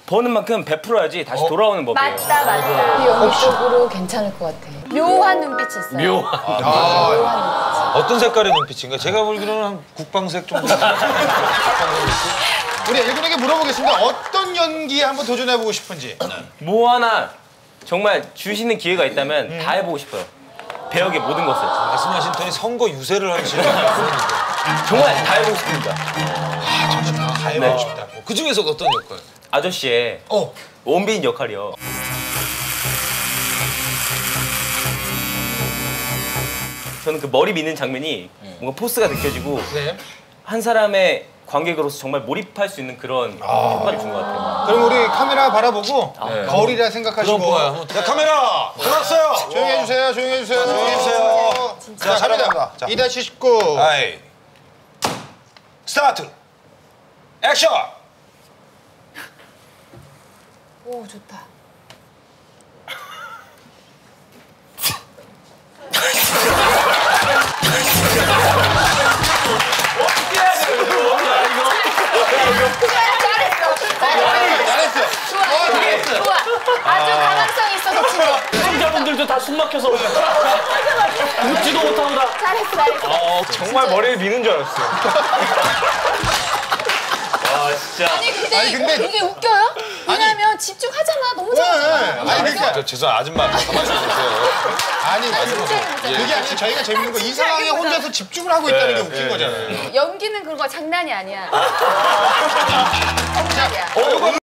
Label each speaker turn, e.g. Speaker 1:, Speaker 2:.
Speaker 1: 버는 만큼 베풀어야지 다시 돌아오는 법이에요.
Speaker 2: 맞다, 맞다.
Speaker 3: 연기적으로 괜찮을 것 같아.
Speaker 2: 묘한 눈빛이 있어요.
Speaker 1: 묘한.
Speaker 4: 어떤 색깔의 눈빛인가? 제가 보기로는 한 국방색 정도.
Speaker 5: 우리 일군에게 물어보겠습니다. 어떤 연기에 한번 도전해보고 싶은지.
Speaker 1: 뭐 하나 정말 주시는 기회가 있다면 다 해보고 싶어요. 배역의 모든 것을.
Speaker 4: 말씀하신 톤이 선거 유세를 하시는 분인데.
Speaker 1: 정말 다 해보고 싶습니다.
Speaker 5: 다 해보고 싶다.
Speaker 4: 그 중에서 어떤 역할?
Speaker 1: 아저씨의 원빈 역할이요. 저는 그 머리 미는 장면이 뭔가 포스가 느껴지고 한 사람의 관객으로서 정말 몰입할 수 있는 그런 효과를 준 것 같아요.
Speaker 5: 그럼 우리 카메라 바라보고 거울이라 생각하시고.
Speaker 4: 자, 카메라 들어왔어요.
Speaker 5: 조용히 해주세요. 조용히 해주세요. 조용히 해주세요. 자, 갑니다. 2-19.
Speaker 4: 아이. 스타트. 액션.
Speaker 3: 오, 좋다.
Speaker 5: 잘했어.
Speaker 2: 좋아. 아주 가망성이 있어서 지금.
Speaker 1: 시청자분들도 다 숨 막혀서 웃지도 못하고 다.
Speaker 2: 잘했어.
Speaker 1: 정말 머리를 미는 줄 알았어요. 와 진짜.
Speaker 2: 아니 근데 이게 웃겨요? 왜냐면 집중하잖아. 너무 잘하잖아.
Speaker 5: 아니 그러니까
Speaker 4: 죄송 아줌마 가만히 있어주세요.
Speaker 5: 아니 그게 아니라 저희가 재밌는 거 이 상황에 혼자서 집중을 하고 있다는 게 웃긴 거잖아요.
Speaker 2: 연기는 그런 거 장난이 아니야. 정말이야.